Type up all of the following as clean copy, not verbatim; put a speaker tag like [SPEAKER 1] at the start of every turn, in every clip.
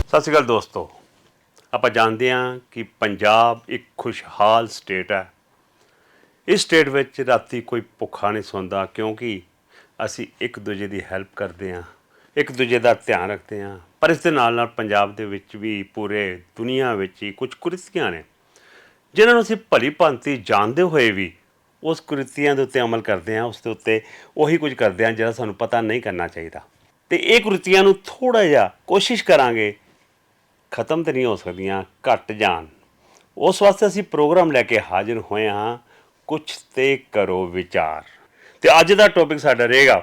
[SPEAKER 1] ਸਤਿ ਸ਼੍ਰੀ ਅਕਾਲ ਦੋਸਤੋ। ਆਪਾਂ ਜਾਣਦੇ ਹਾਂ ਕਿ ਪੰਜਾਬ ਇੱਕ ਖੁਸ਼ਹਾਲ ਸਟੇਟ ਹੈ। ਇਸ ਸਟੇਟ ਵਿੱਚ ਰਾਤੀ ਕੋਈ ਭੁੱਖਾ ਨਹੀਂ ਸੌਂਦਾ ਕਿਉਂਕਿ ਅਸੀਂ ਇੱਕ ਦੂਜੇ ਦੀ ਹੈਲਪ ਕਰਦੇ ਹਾਂ, ਇੱਕ ਦੂਜੇ ਦਾ ਧਿਆਨ ਰੱਖਦੇ ਹਾਂ। ਪਰ ਇਸ ਦੇ ਨਾਲ ਨਾਲ ਪੰਜਾਬ ਦੇ ਵਿੱਚ ਵੀ ਪੂਰੇ ਦੁਨੀਆ ਵਿੱਚ ਹੀ ਕੁਝ ਕੁਰੀਤੀਆਂ ਨੇ ਜਿਨ੍ਹਾਂ ਨੂੰ ਅਸੀਂ ਭਲੀ ਭਾਂਤੀ ਜਾਣਦੇ ਹੋਏ ਵੀ ਉਸ ਕੁਰੀਤੀਆਂ ਦੇ ਉੱਤੇ ਅਮਲ ਕਰਦੇ ਹਾਂ, ਉਸ ਦੇ ਉੱਤੇ ਉਹੀ ਕੁਝ ਕਰਦੇ ਹਾਂ ਜਿਹੜਾ ਸਾਨੂੰ ਪਤਾ ਨਹੀਂ ਕਰਨਾ ਚਾਹੀਦਾ। ਅਤੇ ਇਹ ਕੁਰੀਤੀਆਂ ਨੂੰ ਥੋੜ੍ਹਾ ਜਿਹਾ ਕੋਸ਼ਿਸ਼ ਕਰਾਂਗੇ, ਖਤਮ ਤਾਂ ਨਹੀਂ ਹੋ ਸਕਦੀਆਂ, ਘੱਟ ਜਾਣ। ਉਸ ਵਾਸਤੇ ਅਸੀਂ ਪ੍ਰੋਗਰਾਮ ਲੈ ਕੇ ਹਾਜ਼ਰ ਹੋਏ ਹਾਂ, ਕੁਛ ਤੇ ਕਰੋ ਵਿਚਾਰ। ਅਤੇ ਅੱਜ ਦਾ ਟੌਪਿਕ ਸਾਡਾ ਰਹੇਗਾ,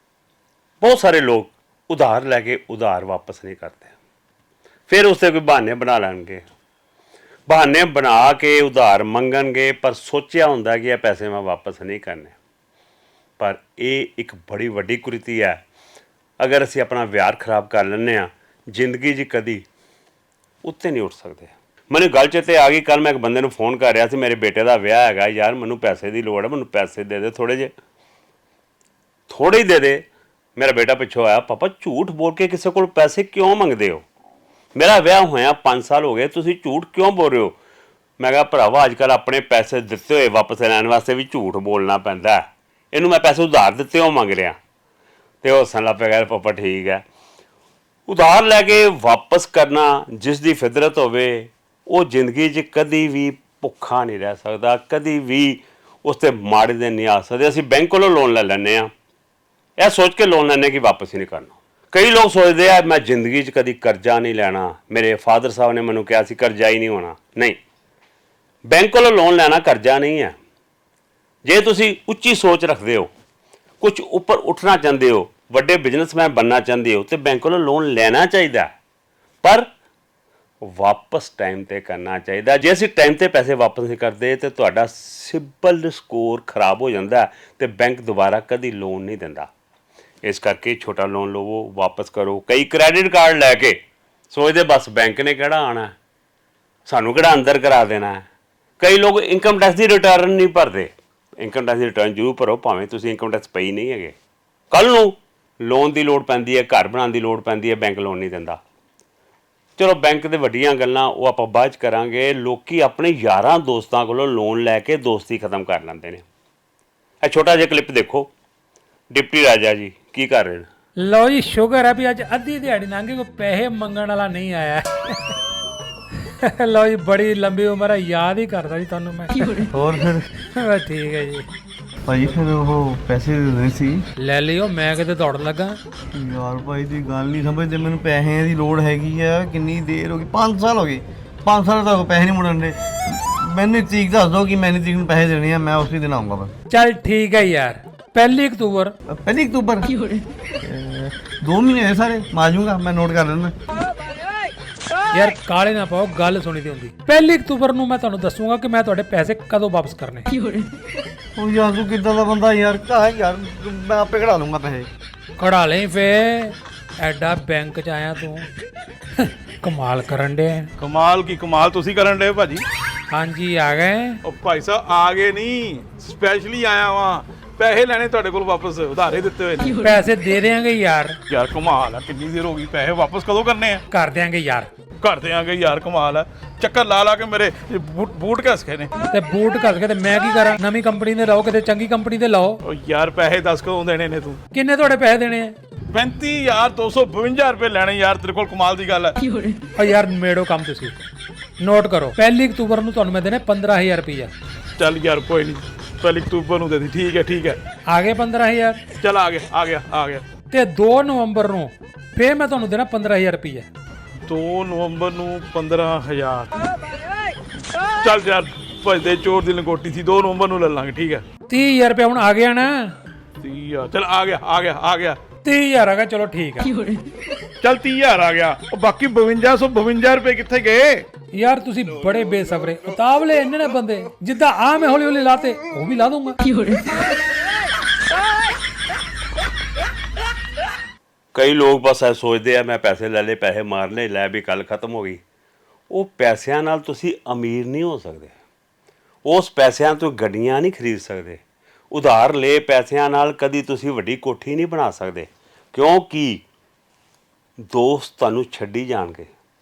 [SPEAKER 1] ਬਹੁਤ ਸਾਰੇ ਲੋਕ ਉਧਾਰ ਲੈ ਕੇ ਉਧਾਰ ਵਾਪਸ ਨਹੀਂ ਕਰਦੇ, ਫਿਰ ਉਸ 'ਤੇ ਕੋਈ ਬਹਾਨੇ ਬਣਾ ਲੈਣਗੇ, ਬਹਾਨੇ ਬਣਾ ਕੇ ਉਧਾਰ ਮੰਗਣਗੇ, ਪਰ ਸੋਚਿਆ ਹੁੰਦਾ ਕਿ ਇਹ ਪੈਸੇ ਮੈਂ ਵਾਪਸ ਨਹੀਂ ਕਰਨੇ। ਪਰ ਇਹ ਇੱਕ ਬੜੀ ਵੱਡੀ ਕੁਰੀਤੀ ਹੈ। ਅਗਰ ਅਸੀਂ ਆਪਣਾ ਵਿਹਾਰ ਖਰਾਬ ਕਰ ਲੈਂਦੇ ਹਾਂ, ਜ਼ਿੰਦਗੀ 'ਚ ਕਦੀ ਉੱਤੇ ਨਹੀਂ ਉੱਠ ਸਕਦੇ। ਮੈਨੂੰ ਗੱਲ 'ਚ ਆ ਗਈ, ਕੱਲ੍ਹ ਮੈਂ ਇੱਕ ਬੰਦੇ ਨੂੰ ਫੋਨ ਕਰ ਰਿਹਾ ਸੀ, ਮੇਰੇ ਬੇਟੇ ਦਾ ਵਿਆਹ ਹੈਗਾ ਯਾਰ, ਮੈਨੂੰ ਪੈਸੇ ਦੀ ਲੋੜ ਹੈ, ਮੈਨੂੰ ਪੈਸੇ ਦੇ ਦੇ ਥੋੜ੍ਹੇ ਜਿਹੇ, ਥੋੜ੍ਹੇ ਹੀ ਦੇ ਦੇ। ਮੇਰਾ ਬੇਟਾ ਪਿੱਛੋਂ ਆਇਆ, ਪਾਪਾ ਝੂਠ ਬੋਲ ਕੇ ਕਿਸੇ ਕੋਲ ਪੈਸੇ ਕਿਉਂ ਮੰਗਦੇ ਹੋ? ਮੇਰਾ ਵਿਆਹ ਹੋਇਆ 5 ਸਾਲ ਹੋ ਗਏ, ਤੁਸੀਂ ਝੂਠ ਕਿਉਂ ਬੋਲ ਰਹੇ ਹੋ? ਮੈਂ ਕਿਹਾ ਭਰਾਵਾ, ਅੱਜ ਕੱਲ੍ਹ ਆਪਣੇ ਪੈਸੇ ਦਿੱਤੇ ਹੋਏ ਵਾਪਸ ਲੈਣ ਵਾਸਤੇ ਵੀ ਝੂਠ ਬੋਲਣਾ ਪੈਂਦਾ। ਇਹਨੂੰ ਮੈਂ ਪੈਸੇ ਉਧਾਰ ਦਿੱਤੇ ਉਹ ਮੰਗ ਰਿਹਾ। ਅਤੇ ਉਹ ਹੱਸਣ ਲੱਗ ਪਿਆ, ਕਹਿੰਦਾ ਪਾਪਾ ਠੀਕ ਹੈ। ਉਧਾਰ ਲੈ ਕੇ ਵਾਪਸ ਕਰਨਾ ਜਿਸ ਦੀ ਫਿਤਰਤ ਹੋਵੇ, ਉਹ ਜ਼ਿੰਦਗੀ 'ਚ ਕਦੀ ਵੀ ਭੁੱਖਾ ਨਹੀਂ ਰਹਿ ਸਕਦਾ, ਕਦੀ ਵੀ ਉਸ 'ਤੇ ਮਾੜੇ ਦਿਨ ਨਹੀਂ ਆ ਸਕਦੇ। ਅਸੀਂ ਬੈਂਕ ਕੋਲੋਂ ਲੋਨ ਲੈ ਲੈਂਦੇ ਹਾਂ, ਇਹ ਸੋਚ ਕੇ ਲੋਨ ਲੈਂਦੇ ਕਿ ਵਾਪਸ ਹੀ ਨਹੀਂ ਕਰਨਾ। ਕਈ ਲੋਕ ਸੋਚਦੇ ਆ ਮੈਂ ਜ਼ਿੰਦਗੀ 'ਚ ਕਦੀ ਕਰਜ਼ਾ ਨਹੀਂ ਲੈਣਾ, ਮੇਰੇ ਫਾਦਰ ਸਾਹਿਬ ਨੇ ਮੈਨੂੰ ਕਿਹਾ ਸੀ ਕਰਜ਼ਾ ਹੀ ਨਹੀਂ ਹੋਣਾ। ਨਹੀਂ, ਬੈਂਕ ਕੋਲੋਂ ਲੋਨ ਲੈਣਾ ਕਰਜ਼ਾ ਨਹੀਂ ਹੈ। ਜੇ ਤੁਸੀਂ ਉੱਚੀ ਸੋਚ ਰੱਖਦੇ ਹੋ, ਕੁਝ ਉੱਪਰ ਉੱਠਣਾ ਚਾਹੁੰਦੇ ਹੋ, ਵੱਡੇ ਬਿਜ਼ਨਸਮੈਨ ਬਣਨਾ ਚਾਹੁੰਦੇ ਹੋ, ਤਾਂ ਬੈਂਕ ਕੋਲੋਂ ਲੋਨ ਲੈਣਾ ਚਾਹੀਦਾ, ਪਰ ਵਾਪਸ ਟਾਈਮ 'ਤੇ ਕਰਨਾ ਚਾਹੀਦਾ। ਜੇ ਅਸੀਂ ਟਾਈਮ 'ਤੇ ਪੈਸੇ ਵਾਪਸ ਨਹੀਂ ਕਰਦੇ ਤਾਂ ਤੁਹਾਡਾ ਸਿਬਲ ਸਕੋਰ ਖਰਾਬ ਹੋ ਜਾਂਦਾ ਅਤੇ ਬੈਂਕ ਦੁਬਾਰਾ ਕਦੀ ਲੋਨ ਨਹੀਂ ਦਿੰਦਾ। ਇਸ ਕਰਕੇ ਛੋਟਾ ਲੋਨ ਲਵੋ, ਵਾਪਸ ਕਰੋ। ਕਈ ਕ੍ਰੈਡਿਟ ਕਾਰਡ ਲੈ ਕੇ ਸੋਚਦੇ ਬਸ ਬੈਂਕ ਨੇ ਕਿਹੜਾ ਆਉਣਾ, ਸਾਨੂੰ ਕਿਹੜਾ ਅੰਦਰ ਕਰਾ ਦੇਣਾ ਹੈ। ਕਈ ਲੋਕ ਇਨਕਮ ਟੈਕਸ ਦੀ ਰਿਟਰਨ ਨਹੀਂ ਭਰਦੇ। ਇਨਕਮ ਟੈਕਸ ਦੀ ਰਿਟਰਨ ਜ਼ਰੂਰ ਭਰੋ, ਭਾਵੇਂ ਤੁਸੀਂ ਇਨਕਮ ਟੈਕਸ ਪਈ ਨਹੀਂ ਹੈਗੇ। ਕੱਲ੍ਹ ਨੂੰ ਲੋਨ ਦੀ ਲੋੜ ਪੈਂਦੀ ਹੈ, ਘਰ ਬਣਾਉਣ ਦੀ ਲੋੜ ਪੈਂਦੀ ਹੈ, ਬੈਂਕ ਲੋਨ ਨਹੀਂ ਦਿੰਦਾ। ਚਲੋ ਬੈਂਕ ਦੇ ਵੱਡੀਆਂ ਗੱਲਾਂ ਉਹ ਆਪਾਂ ਬਾਅਦ 'ਚ ਕਰਾਂਗੇ। ਲੋਕ ਆਪਣੇ ਯਾਰਾਂ ਦੋਸਤਾਂ ਕੋਲੋਂ ਲੋਨ ਲੈ ਕੇ ਦੋਸਤੀ ਖਤਮ ਕਰ ਲੈਂਦੇ ਨੇ। ਇਹ ਛੋਟਾ ਜਿਹਾ ਕਲਿੱਪ ਦੇਖੋ, ਡਿਪਟੀ ਰਾਜਾ ਜੀ ਕੀ ਕਰ ਰਹੇ ਨੇ।
[SPEAKER 2] ਲਓ ਜੀ, ਸ਼ੁਕਰ ਹੈ ਵੀ ਅੱਜ ਅੱਧੀ ਦਿਹਾੜੀ ਲੰਘ ਗਈ, ਕੋਈ ਪੈਸੇ ਮੰਗਣ ਵਾਲਾ ਨਹੀਂ ਆਇਆ। ਲਓ ਜੀ, ਬੜੀ ਲੰਬੀ ਉਮਰ ਹੈ, ਯਾਦ ਹੀ ਕਰਦਾ ਜੀ ਤੁਹਾਨੂੰ ਮੈਂ।
[SPEAKER 3] ਹੋਰ ਫਿਰ
[SPEAKER 2] ਬਸ ਠੀਕ ਹੈ ਜੀ।
[SPEAKER 3] ਭਾਈ ਫਿਰ ਉਹ ਪੈਸੇ ਦੇ ਦੇਣੇ ਸੀ।
[SPEAKER 2] ਲੈ ਲਿਓ, ਮੈਂ ਕਿਤੇ ਦੌੜਨ ਲੱਗਾ।
[SPEAKER 3] ਯਾਰ ਭਾਈ ਦੀ ਗੱਲ ਨਹੀਂ ਸਮਝਦੇ, ਮੈਨੂੰ ਪੈਸਿਆਂ ਦੀ ਲੋੜ ਹੈਗੀ ਆ। ਕਿੰਨੀ ਦੇਰ ਹੋ ਗਈ, 5 ਸਾਲ ਹੋ ਗਏ, 5 ਸਾਲ ਤੱਕ ਪੈਸੇ ਨਹੀਂ ਮੁੜਨ ਦੇ। ਮੈਨੂੰ ਤਰੀਕ ਦੱਸ ਦਿਓ ਕਿ ਮੈਨੇ ਤਰੀਕ ਨੂੰ ਪੈਸੇ ਦੇਣੇ ਆ, ਮੈਂ ਉਸੇ ਦਿਨ ਆਊਂਗਾ ਬਸ।
[SPEAKER 2] ਚੱਲ ਠੀਕ ਹੈ ਯਾਰ, 1 ਅਕਤੂਬਰ।
[SPEAKER 3] 1 ਅਕਤੂਬਰ 2 ਮਹੀਨੇ ਹੋਏ ਸਾਰੇ, ਮਾਰ ਜੂੰਗਾ ਮੈਂ, ਨੋਟ ਕਰ ਲੈਣਾ।
[SPEAKER 2] ਯਾਰ ਕਾਲੇ ਨਾ ਪਾਓ, ਗੱਲ ਸੁਣੀ ਦੀ ਹੁੰਦੀ। 1 ਅਕਤੂਬਰ ਨੂੰ ਮੈਂ ਤੁਹਾਨੂੰ ਦੱਸੂਗਾ ਕਿ ਮੈਂ ਤੁਹਾਡੇ ਪੈਸੇ ਕਦੋਂ ਵਾਪਸ ਕਰਨੇ।
[SPEAKER 3] ਉਹ ਯਾਰ ਤੂੰ ਕਿੱਦਾਂ ਦਾ ਬੰਦਾ ਯਾਰ, ਕਹਾਂ ਯਾਰ ਮੈਂ ਆਪੇ ਕਢਾ ਲੂੰਗਾ ਪੈਸੇ।
[SPEAKER 2] ਕਢਾ ਲਈ ਫੇ, ਐਡਾ ਬੈਂਕ 'ਚ ਆਇਆ ਤੂੰ, ਕਮਾਲ ਕਰਨ ਦੇ।
[SPEAKER 4] ਕਮਾਲ ਕੀ ਕਮਾਲ ਤੁਸੀਂ ਕਰਨ ਦੇ ਭਾਜੀ।
[SPEAKER 2] ਹਾਂਜੀ ਆ ਗਏ।
[SPEAKER 4] ਉਹ ਭਾਈ ਸਾਹਿਬ ਆ ਗਏ ਨਹੀਂ, ਸਪੈਸ਼ਲੀ ਆਇਆ ਵਾਂ ਪੈਸੇ ਲੈਣੇ ਤੁਹਾਡੇ ਕੋਲ ਵਾਪਸ, ਉਧਾਰੇ ਦਿੱਤੇ ਹੋਏ ਨੇ।
[SPEAKER 2] ਪੈਸੇ ਦੇ ਦੇਾਂਗੇ ਯਾਰ।
[SPEAKER 4] ਯਾਰ ਕਮਾਲ ਆ, ਕਿੰਨੀ ਦੇਰ ਹੋ ਗਈ, ਪੈਸੇ ਵਾਪਸ ਕਦੋਂ ਕਰਨੇ ਆ?
[SPEAKER 2] ਕਰ ਦਿਆਂਗੇ ਯਾਰ।
[SPEAKER 4] ਕਰ ਦਿਆਂਗੇ ਯਾਰ, ਕਮਾਲ ਆ। ਚੱਕਰ ਲਾ ਲਾ ਕੇ ਮੇਰੇ ਬੂਟ ਘਸ ਗਏ ਨੇ।
[SPEAKER 2] ਤੇ ਬੂਟ ਘਸ ਕੇ ਤੇ ਮੈਂ ਕੀ ਕਰਾਂ? ਨਵੀਂ ਕੰਪਨੀ ਦੇ ਲਾਓ, ਕਿਤੇ ਚੰਗੀ ਕੰਪਨੀ ਦੇ ਲਾਓ।
[SPEAKER 4] ਉਹ ਯਾਰ ਪੈਸੇ ਦੱਸ ਕਦੋਂ ਦੇਣੇ ਨੇ ਤੂੰ?
[SPEAKER 2] ਕਿੰਨੇ ਤੁਹਾਡੇ ਪੈਸੇ ਦੇਣੇ ਆ?
[SPEAKER 4] 35,252 ਰੁਪਏ ਲੈਣੇ ਯਾਰ, ਤੇਰੇ ਕੋਲ ਕਮਾਲ ਦੀ ਗੱਲ ਹੈ।
[SPEAKER 2] ਓ ਯਾਰ ਮੇੜੋ ਕੰਮ ਤੁਸੀਂ ਨੋਟ ਕਰੋ, 1 ਅਕਤੂਬਰ ਨੂੰ ਤੁਹਾਨੂੰ ਮੈਂ ਦੇਣੇ 15,000 ਰੁਪਈਆ।
[SPEAKER 4] ਚੱਲ ਯਾਰ ਕੋਈ ਨਹੀਂ, 1 ਅਕਤੂਬਰ ਨੂੰ ਦੇ ਦੀ। ਠੀਕ ਹੈ ਠੀਕ ਹੈ,
[SPEAKER 2] ਆ ਗਏ 15,000।
[SPEAKER 4] ਚੱਲ ਆ ਗਿਆ ਆ ਗਿਆ ਆ ਗਿਆ।
[SPEAKER 2] ਤੇ 2 ਨਵੰਬਰ ਨੂੰ ਫੇਰ ਮੈਂ ਤੁਹਾਨੂੰ ਦੇਣਾ 15,000 ਰੁਪਈਆ।
[SPEAKER 4] 2 ਨਵੰਬਰ ਨੂੰ 15,000। ਚੱਲ ਯਾਰ ਭਜਦੇ ਚੋਰ ਦੀ ਲੰਗੋਟੀ ਸੀ, 2 ਨਵੰਬਰ ਨੂੰ ਲੈ ਲਾਂਗੇ। ਠੀਕ ਹੈ,
[SPEAKER 2] 30,000 ਰੁਪਇਆ ਹੁਣ ਆ ਗਿਆ ਨਾ।
[SPEAKER 4] 30,000 ਚੱਲ ਆ ਗਿਆ ਆ ਗਿਆ ਆ ਗਿਆ।
[SPEAKER 2] 30,000 ਆ ਗਿਆ, ਚਲੋ ਠੀਕ ਆ।
[SPEAKER 4] ਚੱਲ 30,000 ਆ ਗਿਆ। ਉਹ ਬਾਕੀ 5252 ਰੁਪਏ ਕਿੱਥੇ ਗਏ?
[SPEAKER 2] ਯਾਰ ਤੁਸੀਂ ਬੜੇ ਬੇਸਬਰੇ ਉਤਾਵਲੇ ਇੰਨੇ ਨੇ ਬੰਦੇ, ਜਿੱਦਾਂ ਆ ਮੈਂ ਹੌਲੀ ਹੌਲੀ ਲਾਤੇ ਉਹ ਵੀ ਲਾ ਦੂੰਗਾ।
[SPEAKER 1] ਕਈ ਲੋਕ ਬਸ ਇਹ ਸੋਚਦੇ ਆ ਮੈਂ ਪੈਸੇ ਲੈ ਲਏ, ਪੈਸੇ ਮਾਰ ਲਏ, ਲੈ ਵੀ ਗੱਲ ਖਤਮ ਹੋ ਗਈ। ਉਹ ਪੈਸਿਆਂ ਨਾਲ ਤੁਸੀਂ ਅਮੀਰ ਨਹੀਂ ਹੋ ਸਕਦੇ। ਉਸ ਪੈਸਿਆਂ ਤੋਂ ਗੱਡੀਆਂ ਨਹੀਂ ਖਰੀਦ ਸਕਦੇ। ਉਧਾਰ ਲਏ ਪੈਸਿਆਂ ਨਾਲ ਕਦੀ ਤੁਸੀਂ ਵੱਡੀ ਕੋਠੀ ਨਹੀਂ ਬਣਾ ਸਕਦੇ, ਕਿਉਂਕਿ ਦੋਸਤ ਤੁਹਾਨੂੰ ਛੱਡੀ ਜਾਣਗੇ।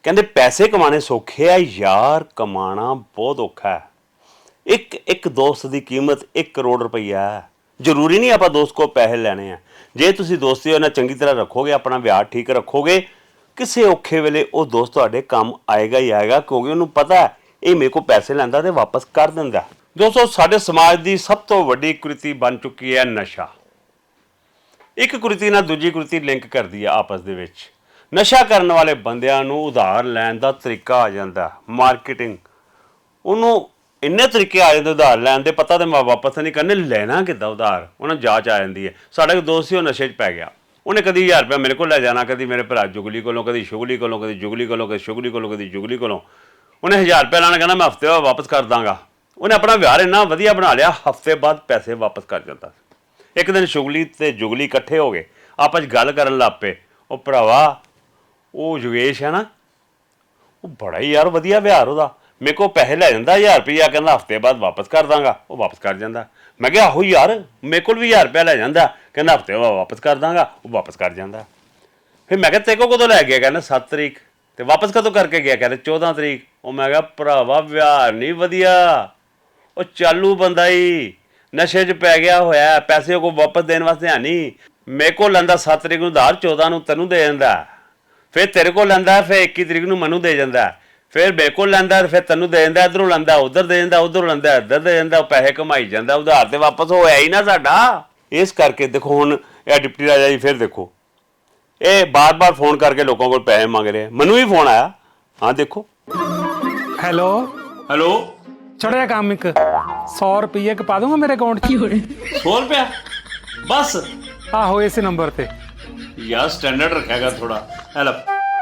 [SPEAKER 1] ਕਹਿੰਦੇ ਪੈਸੇ ਕਮਾਣੇ ਸੌਖੇ ਆ ਯਾਰ, ਕਮਾਣਾ ਬਹੁਤ ਔਖਾ ਹੈ। ਇੱਕ ਦੋਸਤ ਦੀ ਕੀਮਤ 1 ਕਰੋੜ ਰੁਪਈਆ ਹੈ। ਜ਼ਰੂਰੀ ਨਹੀਂ ਆਪਾਂ ਦੋਸਤ ਕੋਲ ਪੈਸੇ ਲੈਣੇ ਆ। ਜੇ ਤੁਸੀਂ ਦੋਸਤੀ ਉਹਨਾਂ ਚੰਗੀ ਤਰ੍ਹਾਂ ਰੱਖੋਗੇ, ਆਪਣਾ ਵਿਹਾਰ ਠੀਕ ਰੱਖੋਗੇ, ਕਿਸੇ ਔਖੇ ਵੇਲੇ ਉਹ ਦੋਸਤ ਤੁਹਾਡੇ ਕੰਮ ਆਏਗਾ ਹੀ ਆਏਗਾ, ਕਿਉਂਕਿ ਉਹਨੂੰ ਪਤਾ ਹੈ ਇਹ ਮੇਰੇ ਕੋਲ ਪੈਸੇ ਲੈਂਦਾ ਤੇ ਵਾਪਸ ਕਰ ਦਿੰਦਾ। ਦੋਸਤੋ, ਸਾਡੇ ਸਮਾਜ ਦੀ ਸਭ ਤੋਂ ਵੱਡੀ ਕੁਰੀਤੀ ਬਣ ਚੁੱਕੀ ਹੈ ਨਸ਼ਾ। ਇੱਕ ਕੁਰੀਤੀ ਨਾਲ ਦੂਜੀ ਕੁਰੀਤੀ ਲਿੰਕ ਕਰਦੀ ਹੈ ਆਪਸ ਦੇ ਵਿੱਚ। ਨਸ਼ਾ ਕਰਨ ਵਾਲੇ ਬੰਦਿਆਂ ਨੂੰ ਉਧਾਰ ਲੈਣ ਦਾ ਤਰੀਕਾ ਆ ਜਾਂਦਾ, ਮਾਰਕੀਟਿੰਗ। ਉਹਨੂੰ ਇੰਨੇ ਤਰੀਕੇ ਆ ਜਾਂਦੇ ਉਧਾਰ ਲੈਣ ਦੇ, ਪਤਾ ਤੇ ਮੈਂ ਵਾਪਸ ਨਹੀਂ ਕਰਨੇ, ਲੈਣਾ ਕਿੱਦਾਂ ਉਧਾਰ ਉਹਨਾਂ ਜਾਂਚ ਆ ਜਾਂਦੀ ਹੈ। ਸਾਡਾ ਇੱਕ ਦੋਸਤ ਸੀ, ਉਹ ਨਸ਼ੇ 'ਚ ਪੈ ਗਿਆ। ਉਹਨੇ ਕਦੀ 1000 ਰੁਪਇਆ ਮੇਰੇ ਕੋਲ ਲੈ ਜਾਣਾ, ਕਦੀ ਮੇਰੇ ਭਰਾ ਜੁਗਲੀ ਕੋਲੋਂ, ਕਦੀ ਸ਼ੁਗਲੀ ਕੋਲੋਂ, ਕਦੀ ਜੁਗਲੀ ਕੋਲੋਂ, ਕਦੀ ਸ਼ੁਗਲੀ ਕੋਲੋਂ, ਕਦੀ ਜੁਗਲੀ ਕੋਲੋਂ। ਉਹਨੇ 1000 ਰੁਪਇਆ ਲਾਣਾ, ਕਹਿੰਦਾ ਮੈਂ ਹਫ਼ਤੇ ਬਾਅਦ ਵਾਪਸ ਕਰ ਦਾਂਗਾ। ਉਹਨੇ ਆਪਣਾ ਵਿਹਾਰ ਇੰਨਾ ਵਧੀਆ ਬਣਾ ਲਿਆ, ਹਫ਼ਤੇ ਬਾਅਦ ਪੈਸੇ ਵਾਪਸ ਕਰ ਜਾਂਦਾ। ਇੱਕ ਦਿਨ ਸ਼ੁਗਲੀ ਤੇ ਜੁਗਲੀ ਇਕੱਠੇ ਹੋ ਗਏ, ਆਪਸ 'ਚ ਗੱਲ ਕਰਨ ਲੱਗ ਪਏ। ਉਹ ਭਰਾਵਾ, ਉਹ ਯੋਗੇਸ਼ ਹੈ ਨਾ, ਉਹ ਬੜਾ ਹੀ ਯਾਰ ਵਧੀਆ ਵਿਹਾਰ ਉਹਦਾ। ਮੇਰੇ ਕੋਲ ਪੈਸੇ ਲੈ ਜਾਂਦਾ 1000 ਰੁਪਇਆ, ਕਹਿੰਦਾ ਹਫ਼ਤੇ ਬਾਅਦ ਵਾਪਸ ਕਰ ਦਾਂਗਾ। ਉਹ ਵਾਪਸ ਕਰ ਜਾਂਦਾ। ਮੈਂ ਕਿਹਾ ਆਹੋ ਯਾਰ, ਮੇਰੇ ਕੋਲ ਵੀ 1000 ਰੁਪਇਆ ਲੈ ਜਾਂਦਾ, ਕਹਿੰਦਾ ਹਫ਼ਤੇ ਬਾਅਦ ਵਾਪਸ ਕਰ ਦਾਂਗਾ। ਉਹ ਵਾਪਸ ਕਰ ਜਾਂਦਾ। ਫਿਰ ਮੈਂ ਕਿਹਾ ਤੇਰੇ ਕੋਲ ਕਦੋਂ ਲੈ ਗਿਆ? ਕਹਿੰਦਾ 7 ਤਰੀਕ। ਤੇ ਵਾਪਸ ਕਦੋਂ ਕਰਕੇ ਗਿਆ? ਕਹਿੰਦੇ 14 ਤਰੀਕ। ਉਹ ਮੈਂ ਕਿਹਾ ਭਰਾਵਾ, ਵਿਹਾਰ ਨਹੀਂ ਵਧੀਆ। ਉਹ ਚਾਲੂ ਬੰਦਾ ਹੀ ਨਸ਼ੇ 'ਚ ਪੈ ਗਿਆ ਹੋਇਆ, ਪੈਸੇ ਕੋਲ ਵਾਪਸ ਦੇਣ ਵਾਸਤੇ ਹੈ ਨਹੀਂ। ਮੇਰੇ ਕੋਲ ਲੈਂਦਾ 7 ਤਰੀਕ ਨੂੰ ਉਧਾਰ, 14 ਨੂੰ ਤੈਨੂੰ ਦੇ ਜਾਂਦਾ। ਫਿਰ ਤੇਰੇ ਕੋਲ ਲੈਂਦਾ, ਫਿਰ 21 ਤਰੀਕ ਨੂੰ ਮੈਨੂੰ ਦੇ ਜਾਂਦਾ। ਫਿਰ ਮੇਰੇ ਕੋਲ ਲੈਂਦਾ, ਫਿਰ ਤੈਨੂੰ ਦੇ ਜਾਂਦਾ। ਇੱਧਰੋਂ ਲੈਂਦਾ ਉੱਧਰ ਦੇ ਜਾਂਦਾ, ਉੱਧਰੋਂ ਲੈਂਦਾ ਇੱਧਰ ਦੇ ਜਾਂਦਾ। ਉਹ ਪੈਸੇ ਕਮਾਈ ਜਾਂਦਾ, ਉਧਾਰ ਤੇ ਵਾਪਸ ਹੋਇਆ ਹੀ ਨਾ ਸਾਡਾ। ਇਸ ਕਰਕੇ ਦੇਖੋ, ਹੁਣ ਇਹ ਡਿਪਟੀ ਰਾਜਾ ਜੀ ਫਿਰ ਦੇਖੋ, ਇਹ ਬਾਰ-ਬਾਰ ਫੋਨ ਕਰਕੇ ਲੋਕਾਂ ਕੋਲ ਪੈਸੇ ਮੰਗ ਰਹੇ। ਮੈਨੂੰ ਵੀ ਫੋਨ ਆਇਆ। ਹਾਂ ਦੇਖੋ।
[SPEAKER 2] ਹੈਲੋ
[SPEAKER 1] ਹੈਲੋ,
[SPEAKER 2] ਛੋਟਾ ਜਿਹਾ ਕੰਮ, ਇੱਕ 100 ਰੁਪਏ ਪਾ ਦੂੰਗਾ ਮੇਰੇ ਅਕਾਊਂਟ 'ਚ।
[SPEAKER 1] 100 ਰੁਪਇਆ ਬਸ?
[SPEAKER 2] ਆਹੋ, ਇਸੇ ਨੰਬਰ ਤੇ।
[SPEAKER 1] ਯਾਰ ਸਟੈਂਡਰਡ ਰੱਖਿਆਗਾ ਥੋੜਾ। ਹੈਲਪ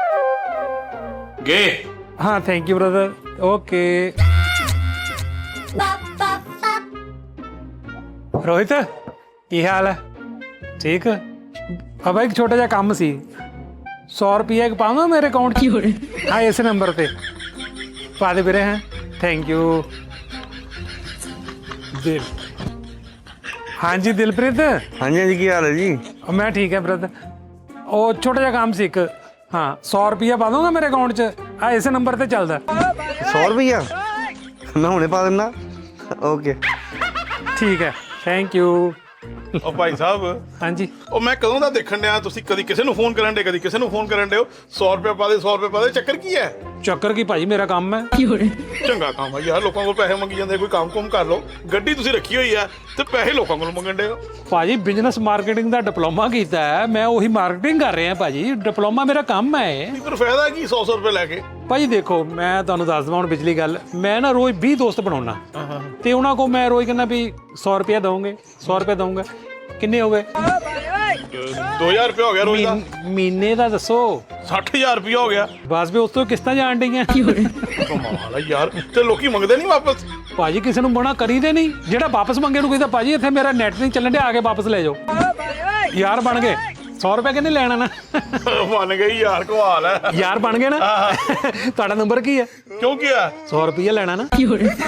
[SPEAKER 1] ਗੇ।
[SPEAKER 2] ਹਾਂ, thank you brother. Okay. Rohit, ਕੀ ਹਾਲ ਹੈ? ਠੀਕ। ਆ ਬਾਈ, ਇੱਕ ਛੋਟਾ ਜਿਹਾ ਕੰਮ ਸੀ। 100 ਰੁਪਏ ਪਾਵਾਂ ਮੇਰੇ ਅਕਾਊਂਟ 'ਚ? ਹਾਂ, ਇਸੇ ਨੰਬਰ ਤੇ ਪਾ ਦੇ ਵੀਰੇ। ਹਾਂ, ਥੈਂਕ ਯੂ। ਦਿਲ, ਹਾਂਜੀ ਦਿਲਪ੍ਰੀਤ।
[SPEAKER 3] ਹਾਂਜੀ ਹਾਂਜੀ, ਕੀ ਹਾਲ ਹੈ ਜੀ?
[SPEAKER 2] ਮੈਂ ਠੀਕ ਹੈ ਬ੍ਰਦਰ। ਉਹ ਛੋਟਾ ਜਿਹਾ ਕੰਮ ਸੀ ਇੱਕ। ਹਾਂ, 100 ਰੁਪਇਆ ਪਾ ਦੂੰਗਾ ਮੇਰੇ ਅਕਾਊਂਟ 'ਚ? ਆ ਇਸੇ ਨੰਬਰ ਤੇ ਚੱਲਦਾ।
[SPEAKER 3] 100 ਰੁਪਈਆ ਮੈਂ ਹੁਣੇ ਪਾ ਦਿੰਦਾ। ਓਕੇ,
[SPEAKER 2] ਠੀਕ ਹੈ, ਥੈਂਕ ਯੂ।
[SPEAKER 4] ਉਹ ਭਾਈ ਸਾਹਿਬ,
[SPEAKER 2] ਹਾਂਜੀ।
[SPEAKER 4] ਉਹ ਮੈਂ ਕਦੋਂ ਦਾ ਦੇਖਣ ਡਿਆ, ਤੁਸੀਂ ਕਦੀ ਕਿਸੇ ਨੂੰ ਫੋਨ ਕਰਨ ਡੇ, ਕਦੀ ਕਿਸੇ ਨੂੰ ਫੋਨ ਕਰਨ ਡੇ ਹੋ। 100 ਰੁਪਏ ਪਾ ਦੇ, 100 ਰੁਪਏ ਪਾ ਦੇ, ਚੱਕਰ ਕੀ ਹੈ?
[SPEAKER 2] ਚੱਕਰ ਕੀ ਭਾਜੀ, ਮੇਰਾ ਕੰਮ ਹੈ।
[SPEAKER 4] ਚੰਗਾ ਕੰਮ ਹੈ ਯਾਰ, ਲੋਕਾਂ ਕੋਲ ਪੈਸੇ ਮੰਗੀ ਜਾਂਦੇ। ਕੋਈ ਕੰਮ ਕੁਮ ਕਰ ਲਓ। ਗੱਡੀ ਤੁਸੀਂ ਰੱਖੀ ਹੋਈ ਹੈ ਤੇ ਪੈਸੇ ਲੋਕਾਂ ਕੋਲ ਮੰਗਣ ਡੇ ਹੋ।
[SPEAKER 2] ਭਾਜੀ, ਬਿਜ਼ਨਸ ਮਾਰਕੀਟਿੰਗ ਦਾ ਡਿਪਲੋਮਾ ਕੀਤਾ ਹੈ ਮੈਂ, ਉਹੀ ਮਾਰਕੀਟਿੰਗ ਕਰ ਰਿਹਾ ਭਾਜੀ। ਡਿਪਲੋਮਾ ਮੇਰਾ ਕੰਮ ਹੈ ਇਹ।
[SPEAKER 4] ਫਿਰ ਫਾਇਦਾ ਕੀ 100 ਰੁਪਏ ਲੈ ਕੇ?
[SPEAKER 2] ਭਾਜੀ ਦੇਖੋ, ਮੈਂ ਤੁਹਾਨੂੰ ਦੱਸ ਦਵਾਂ ਹੁਣ ਪਿਛਲੀ ਗੱਲ। ਮੈਂ ਨਾ ਰੋਜ਼ 20 ਦੋਸਤ ਬਣਾਉਣਾ, ਤੇ ਉਹਨਾਂ ਕੋਲ ਮੈਂ ਰੋਜ਼ ਕਹਿੰਦਾ ਵੀ 100 ਰੁਪਇਆ ਦਊਂਗੇ, 100 ਰੁਪਇਆ ਦਊਂਗਾ। ਕਿੰਨੇ ਹੋ ਗਏ?
[SPEAKER 4] 2000 ਰੁਪਏ ਹੋ ਗਿਆ ਰੋਜ਼ ਦਾ।
[SPEAKER 2] ਮਹੀਨੇ ਦਾ ਦੱਸੋ?
[SPEAKER 4] 60000 ਰੁਪਏ ਹੋ ਗਿਆ।
[SPEAKER 2] ਬਸ ਵੀ ਉਸ ਤੋਂ ਕਿਸ਼ਤਾਂ ਜਾਣ ਡਈਆਂ।
[SPEAKER 4] ਕਮਾਲ ਹੈ ਯਾਰ, ਤੇ ਲੋਕੀ ਮੰਗਦੇ ਨਹੀਂ ਵਾਪਸ?
[SPEAKER 2] ਭਾਜੀ ਕਿਸੇ ਨੂੰ ਮਨਾ ਕਰੀਦੇ ਨਹੀਂ। ਜਿਹੜਾ ਵਾਪਸ ਮੰਗੇ ਨੂੰ ਕਹਿੰਦਾ ਭਾਜੀ ਇੱਥੇ ਮੇਰਾ ਨੈਟ ਨਹੀਂ ਚੱਲਣ ਡਿਆ, ਆ ਕੇ ਵਾਪਸ ਲੈ ਜਾਓ। ਯਾਰ ਬਣ ਗਏ। 100 ਰੁਪਏ ਕਿੰਨੇ ਲੈਣਾ ਨਾ?
[SPEAKER 4] ਮੰਨ ਗਈ ਯਾਰ, ਕਮਾਲ ਹੈ।
[SPEAKER 2] ਯਾਰ ਬਣ ਗਏ ਨਾ? ਤੁਹਾਡਾ ਨੰਬਰ ਕੀ ਹੈ?
[SPEAKER 4] ਕਿਉਂ ਕੀ ਹੈ?
[SPEAKER 2] 100 ਰੁਪਏ ਲੈਣਾ ਨਾ?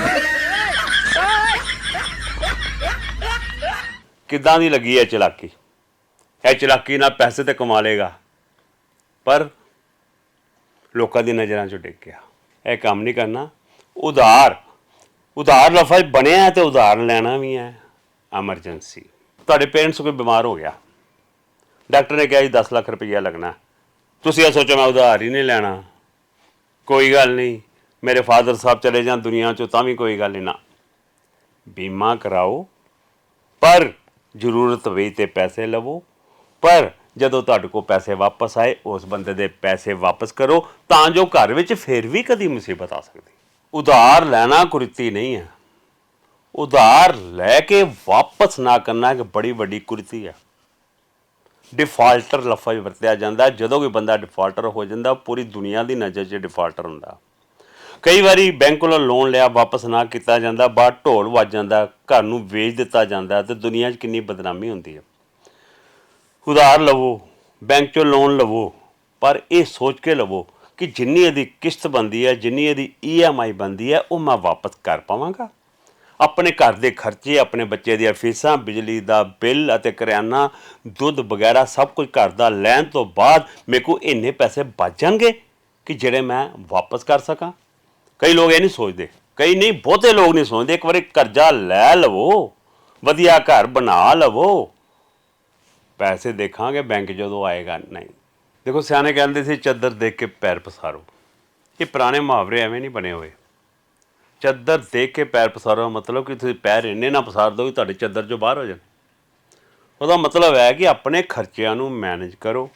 [SPEAKER 1] ਕਿੱਦਾਂ ਦੀ ਲੱਗੀ ਹੈ ਚਲਾਕੀ? ਇਹ ਚਲਾਕੀ ਨਾਲ ਪੈਸੇ ਤੇ ਕਮਾ ਲੇਗਾ, ਪਰ ਲੋਕਾਂ ਦੀ ਨਜ਼ਰਾਂ 'ਚੋਂ ਡਿੱਗ ਗਿਆ। ਇਹ ਕੰਮ ਨਹੀਂ ਕਰਨਾ। ਉਧਾਰ ਲਫ਼ਜ਼ ਬਣਿਆ ਤੇ ਉਧਾਰ ਲੈਣਾ ਵੀ ਹੈ। ਐਮਰਜੈਂਸੀ, ਤੁਹਾਡੇ ਪੇਰੈਂਟਸ ਕੋਈ ਬਿਮਾਰ ਹੋ ਗਿਆ, ਡਾਕਟਰ ਨੇ ਕਿਹਾ ਜੀ 10 ਲੱਖ ਰੁਪਈਆ ਲੱਗਣਾ। ਤੁਸੀਂ ਇਹ ਸੋਚੋ ਮੈਂ ਉਧਾਰ ਹੀ ਨਹੀਂ ਲੈਣਾ, ਕੋਈ ਗੱਲ ਨਹੀਂ, ਮੇਰੇ ਫਾਦਰ ਸਾਹਿਬ ਚਲੇ ਜਾਣ ਦੁਨੀਆ 'ਚੋਂ ਤਾਂ ਵੀ ਕੋਈ ਗੱਲ ਨਹੀਂ। ਨਾ, ਬੀਮਾ ਕਰਾਓ, ਪਰ ਜ਼ਰੂਰਤ ਹੋਈ ਤੇ ਪੈਸੇ ਲਵੋ। ਪਰ ਜਦੋਂ ਤੁਹਾਡੇ ਕੋਲ ਪੈਸੇ ਵਾਪਸ ਆਏ, ਉਸ ਬੰਦੇ ਦੇ ਪੈਸੇ ਵਾਪਸ ਕਰੋ, ਤਾਂ ਜੋ ਘਰ ਵਿੱਚ ਫਿਰ ਵੀ ਕਦੀ ਮੁਸੀਬਤ ਆ ਸਕਦੀ। ਉਧਾਰ ਲੈਣਾ ਕੁਰੀਤੀ ਨਹੀਂ ਹੈ। ਉਧਾਰ ਲੈ ਕੇ ਵਾਪਸ ਨਾ ਕਰਨਾ ਇੱਕ ਬੜੀ ਵੱਡੀ ਕੁਰੀਤੀ ਹੈ। ਡਿਫਾਲਟਰ ਲਫ਼ਜ਼ ਵਰਤਿਆ ਜਾਂਦਾ। ਜਦੋਂ ਕੋਈ ਬੰਦਾ ਡਿਫਾਲਟਰ ਹੋ ਜਾਂਦਾ, ਪੂਰੀ ਦੁਨੀਆ ਦੀ ਨਜ਼ਰ 'ਚ ਡਿਫਾਲਟਰ ਹੁੰਦਾ। ਕਈ ਵਾਰੀ ਬੈਂਕ ਕੋਲੋਂ ਲੋਨ ਲਿਆ, ਵਾਪਸ ਨਾ ਕੀਤਾ ਜਾਂਦਾ, ਬਾਹਰ ਢੋਲ ਵੱਜ ਜਾਂਦਾ, ਘਰ ਨੂੰ ਵੇਚ ਦਿੱਤਾ ਜਾਂਦਾ, ਤੇ ਦੁਨੀਆ 'ਚ ਕਿੰਨੀ ਬਦਨਾਮੀ ਹੁੰਦੀ ਹੈ। ਉਧਾਰ ਲਵੋ, ਬੈਂਕ 'ਚੋਂ ਲੋਨ ਲਵੋ, ਪਰ ਇਹ ਸੋਚ ਕੇ ਲਵੋ ਕਿ ਜਿੰਨੀ ਇਹਦੀ ਕਿਸ਼ਤ ਬਣਦੀ ਹੈ, ਜਿੰਨੀ ਇਹਦੀ EMI ਬਣਦੀ ਹੈ, ਉਹ ਮੈਂ ਵਾਪਸ ਕਰ ਪਾਵਾਂਗਾ। ਆਪਣੇ ਘਰ ਦੇ ਖਰਚੇ, ਆਪਣੇ ਬੱਚੇ ਦੀਆਂ ਫੀਸਾਂ, ਬਿਜਲੀ ਦਾ ਬਿੱਲ ਅਤੇ ਕਰਿਆਨਾ, ਦੁੱਧ ਵਗੈਰਾ ਸਭ ਕੁਝ ਘਰ ਦਾ ਲੈਣ ਤੋਂ ਬਾਅਦ ਮੇਰੇ ਕੋਲ ਇੰਨੇ ਪੈਸੇ ਬਚ ਜਾਣਗੇ ਕਿ ਜਿਹੜੇ ਮੈਂ ਵਾਪਸ ਕਰ ਸਕਾਂ। ਕਈ ਲੋਕ ਇਹ ਨਹੀਂ ਸੋਚਦੇ, ਕਈ ਨਹੀਂ, ਬਹੁਤੇ ਲੋਕ ਨਹੀਂ ਸੋਚਦੇ। ਇੱਕ ਵਾਰੀ ਕਰਜ਼ਾ ਲੈ ਲਵੋ, ਵਧੀਆ ਘਰ ਬਣਾ ਲਵੋ, ਪੈਸੇ ਦੇਖਾਂਗੇ ਬੈਂਕ ਜਦੋਂ ਆਏਗਾ। ਨਹੀਂ, ਦੇਖੋ ਸਿਆਣੇ ਕਹਿੰਦੇ ਸੀ ਚੱਦਰ ਦੇਖ ਕੇ ਪੈਰ ਪਸਾਰੋ। ਇਹ ਪੁਰਾਣੇ ਮੁਹਾਵਰੇ ਐਵੇਂ ਨਹੀਂ ਬਣੇ ਹੋਏ। ਚੱਦਰ ਦੇਖ ਕੇ ਪੈਰ ਪਸਾਰੋ ਮਤਲਬ ਕਿ ਤੁਸੀਂ ਪੈਰ ਇੰਨੇ ਨਾ ਪਸਾਰ ਦਿਓ ਕਿ ਤੁਹਾਡੇ ਚੱਦਰ 'ਚੋਂ ਬਾਹਰ ਹੋ ਜਾਣ। ਉਹਦਾ ਮਤਲਬ ਹੈ ਕਿ ਆਪਣੇ ਖਰਚਿਆਂ ਨੂੰ ਮੈਨੇਜ ਕਰੋ।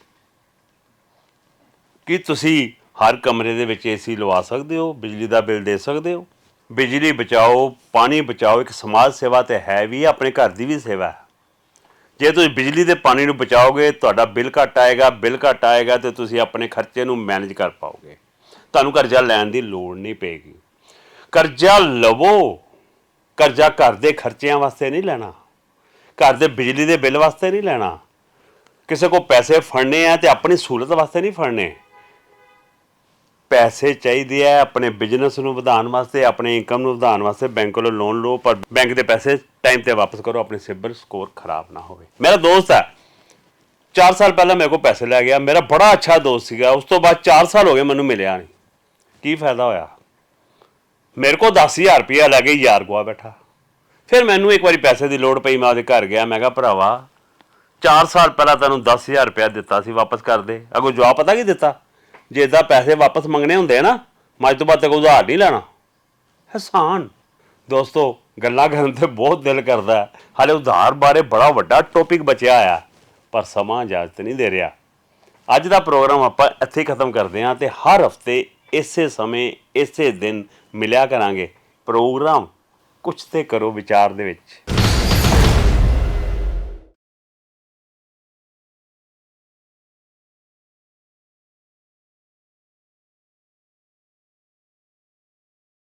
[SPEAKER 1] ਕਿ ਤੁਸੀਂ ਹਰ ਕਮਰੇ ਦੇ ਵਿੱਚ ਏਸੀ ਲਵਾ ਸਕਦੇ ਹੋ, ਬਿਜਲੀ ਦਾ ਬਿੱਲ ਦੇ ਸਕਦੇ ਹੋ। ਬਿਜਲੀ ਬਚਾਓ, ਪਾਣੀ ਬਚਾਓ, ਇੱਕ ਸਮਾਜ ਸੇਵਾ ਤਾਂ ਹੈ ਵੀ, ਆਪਣੇ ਘਰ ਦੀ ਵੀ ਸੇਵਾ ਹੈ। ਜੇ ਤੁਸੀਂ ਬਿਜਲੀ ਤੇ ਪਾਣੀ ਨੂੰ ਬਚਾਓਗੇ, ਤੁਹਾਡਾ ਬਿੱਲ ਘੱਟ ਆਏਗਾ, ਬਿੱਲ ਘੱਟ ਆਏਗਾ ਤੇ ਤੁਸੀਂ ਆਪਣੇ ਖਰਚੇ ਨੂੰ ਮੈਨੇਜ ਕਰ ਪਾਓਗੇ। ਤੁਹਾਨੂੰ ਕਰਜ਼ਾ ਲੈਣ ਦੀ ਲੋੜ ਨਹੀਂ ਪਏਗੀ। ਕਰਜ਼ਾ ਲਵੋ, ਕਰਜ਼ਾ ਘਰ ਦੇ ਖਰਚਿਆਂ ਵਾਸਤੇ ਨਹੀਂ ਲੈਣਾ, ਘਰ ਦੇ ਬਿਜਲੀ ਦੇ ਬਿੱਲ ਵਾਸਤੇ ਨਹੀਂ ਲੈਣਾ। ਕਿਸੇ ਕੋਲ ਪੈਸੇ ਫੜਨੇ ਆ ਤੇ ਆਪਣੀ ਸਹੂਲਤ ਵਾਸਤੇ ਨਹੀਂ ਫੜਨੇ। ਪੈਸੇ ਚਾਹੀਦੇ ਆ ਆਪਣੇ ਬਿਜ਼ਨਸ ਨੂੰ ਵਧਾਉਣ ਵਾਸਤੇ, ਆਪਣੇ ਇਨਕਮ ਨੂੰ ਵਧਾਉਣ ਵਾਸਤੇ। ਬੈਂਕ ਕੋਲੋਂ ਲੋਨ ਲਓ, ਪਰ ਬੈਂਕ ਦੇ ਪੈਸੇ ਟਾਈਮ ਤੇ ਵਾਪਸ ਕਰੋ, ਆਪਣੇ ਸਿਬਿਲ ਸਕੋਰ ਖਰਾਬ ਨਾ ਹੋਵੇ। ਮੇਰਾ ਦੋਸਤ ਹੈ, 4 ਸਾਲ ਪਹਿਲਾਂ ਮੇਰੇ ਕੋਲ ਪੈਸੇ ਲੈ ਗਿਆ। ਮੇਰਾ ਬੜਾ ਅੱਛਾ ਦੋਸਤ ਸੀਗਾ। ਉਸ ਤੋਂ ਬਾਅਦ 4 ਸਾਲ ਹੋ ਗਏ ਮੈਨੂੰ ਮਿਲਿਆ ਨਹੀਂ। ਕੀ ਫਾਇਦਾ ਹੋਇਆ? ਮੇਰੇ ਕੋਲ 10,000 ਰੁਪਇਆ ਲੈ ਕੇ ਯਾਰ ਗਵਾ ਬੈਠਾ। ਫਿਰ ਮੈਨੂੰ ਇੱਕ ਵਾਰੀ ਪੈਸੇ ਦੀ ਲੋੜ ਪਈ, ਮੈਂ ਉਹਦੇ ਘਰ ਗਿਆ। ਮੈਂ ਕਿਹਾ ਭਰਾਵਾ 4 ਸਾਲ ਪਹਿਲਾਂ ਤੈਨੂੰ 10,000 ਰੁਪਇਆ ਦਿੱਤਾ ਸੀ, ਵਾਪਸ ਕਰ ਦੇ। ਅੱਗੋਂ ਜਵਾਬ ਪਤਾ ਕੀ ਦਿੱਤਾ? ਜੇ ਇੱਦਾਂ ਪੈਸੇ ਵਾਪਸ ਮੰਗਣੇ ਹੁੰਦੇ ਆ ਨਾ, ਮੈਂ ਅੱਜ ਤੋਂ ਬਾਅਦ ਤੱਕ ਉਧਾਰ ਨਹੀਂ ਲੈਣਾ। ਹਸਾਨ ਦੋਸਤੋ, ਗੱਲਾਂ ਕਰਨ ਤੇ ਬਹੁਤ ਦਿਲ ਕਰਦਾ ਹੈ। ਹਾਲੇ ਉਧਾਰ ਬਾਰੇ ਬੜਾ ਵੱਡਾ ਟੌਪਿਕ ਬਚਿਆ ਆ, ਪਰ ਸਮਾਂ ਇਜਾਜ਼ਤ ਨਹੀਂ ਦੇ ਰਿਹਾ। ਅੱਜ ਦਾ ਪ੍ਰੋਗਰਾਮ ਆਪਾਂ ਇੱਥੇ ਹੀ ਖਤਮ ਕਰਦੇ ਹਾਂ ਤੇ ਹਰ ਹਫਤੇ ਇਸੇ ਸਮੇਂ ਇਸੇ ਦਿਨ ਮਿਲਿਆ ਕਰਾਂਗੇ। ਪ੍ਰੋਗਰਾਮ ਕੁਛ ਤੇ ਕਰੋ ਵਿਚਾਰ ਦੇ ਵਿੱਚ।